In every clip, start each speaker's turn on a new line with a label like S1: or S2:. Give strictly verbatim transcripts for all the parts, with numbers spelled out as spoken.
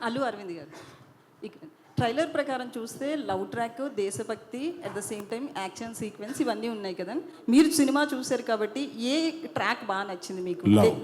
S1: అల్లు అరవింద్ గారు. ఇక ట్రైలర్ ప్రకారం చూస్తే లవ్ ట్రాక్, దేశభక్తి, at the same time action sequence ఇవన్నీ ఉన్నాయి కదా. మీరు సినిమా చూశారు కాబట్టి ఏ ట్రాక్ బాగా నచ్చింది మీకు?
S2: Love.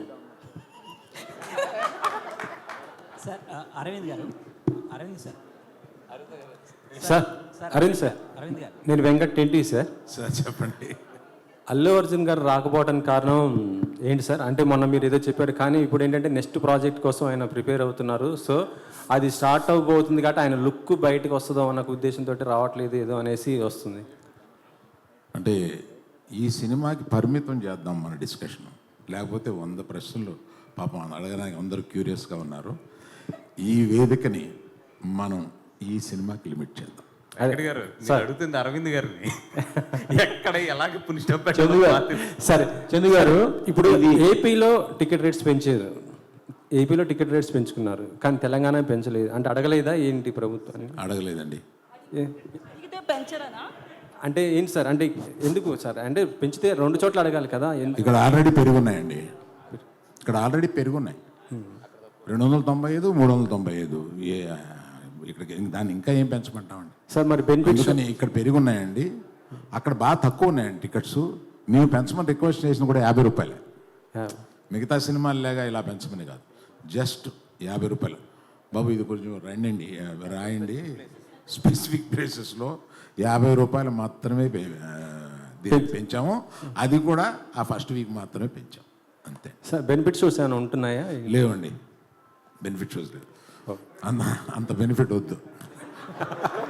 S3: Sir Aravind garu, Aravind sir
S4: sir Aravind sir,
S3: Aravind garu
S4: నేను వెంకట్ టెంటీ సార్.
S2: సార్ చెప్పండి.
S4: అల్లు అర్జున్ గారు రాకపోవడానికి కారణం ఏంటి సార్? అంటే మొన్న మీరు ఏదో చెప్పారు, కానీ ఇప్పుడు ఏంటంటే నెక్స్ట్ ప్రాజెక్ట్ కోసం ఆయన ప్రిపేర్ అవుతున్నారు. సో అది స్టార్ట్ అవ్వబోతుంది కాబట్టి ఆయన లుక్ బయటకు వస్తుందో అన్న ఉద్దేశంతో రావట్లేదు ఏదో అనేసి వస్తుంది.
S2: అంటే ఈ సినిమాకి పరిమితం చేద్దాం మన డిస్కషన్, లేకపోతే వంద ప్రశ్నలు పాపం అడగడానికి అందరూ క్యూరియస్గా ఉన్నారు. ఈ వేదికని మనం ఈ సినిమాకి లిమిట్ చేద్దాం.
S5: వెంకట్ గారు నేను అడుగుతుంది అరవింద్ గారిని, ఎక్కడ ఎలాగ పునిస్టప్
S4: చందు గారు, సరే చందు గారు, ఇప్పుడు ఏపీలో టికెట్ రేట్స్ పెంచారు, ఏపీలో టికెట్ రేట్స్ పెంచుకున్నారు, కానీ తెలంగాణ పెంచలేదు. అంటే అడగలేదా ఏంటి ప్రభుత్వాన్ని?
S2: అడగలేదండి.
S4: ఏ-
S1: అడిగితే పెంచరనా?
S4: అంటే ఏంటి సార్? అంటే ఎందుకు సార్? అంటే పెంచితే రెండు చోట్ల అడగాలి కదా. ఎందు-
S2: ఇక్కడ ఆల్రెడీ పెరుగున్నాయండి, ఇక్కడ ఆల్రెడీ పెరుగున్నాయి. రెండు వందల తొంభై ఐదు మూడు వందల తొంభై ఐదు ఏ ఇక్కడికి దాన్ని ఇంకా ఏం పెంచమంటామండి
S4: సార్ మరి బెనిఫిట్స్
S2: అందుకని ఇక్కడ పెరుగున్నాయండి, అక్కడ బాగా తక్కువ ఉన్నాయండి టికెట్స్. మేము పెంచమని రిక్వెస్ట్ చేసిన కూడా యాభై రూపాయలే. మిగతా సినిమాలు లేగా ఇలా పెంచమని కాదు, జస్ట్ యాభై రూపాయలు. బాబు ఇది కొంచెం రండి రాయండి, స్పెసిఫిక్ ప్లేసెస్లో యాభై రూపాయలు మాత్రమే పె- ఆ, దీన్ని పెంచాము. అది కూడా ఆ ఫస్ట్ వీక్ మాత్రమే పెంచాం, అంతే.
S4: సార్ బెనిఫిట్ షోస్ ఏమైనా ఉంటున్నాయా?
S2: లేవండి, బెనిఫిట్ షోస్ లేదు. అంత అంత బెనిఫిట్ వద్దు.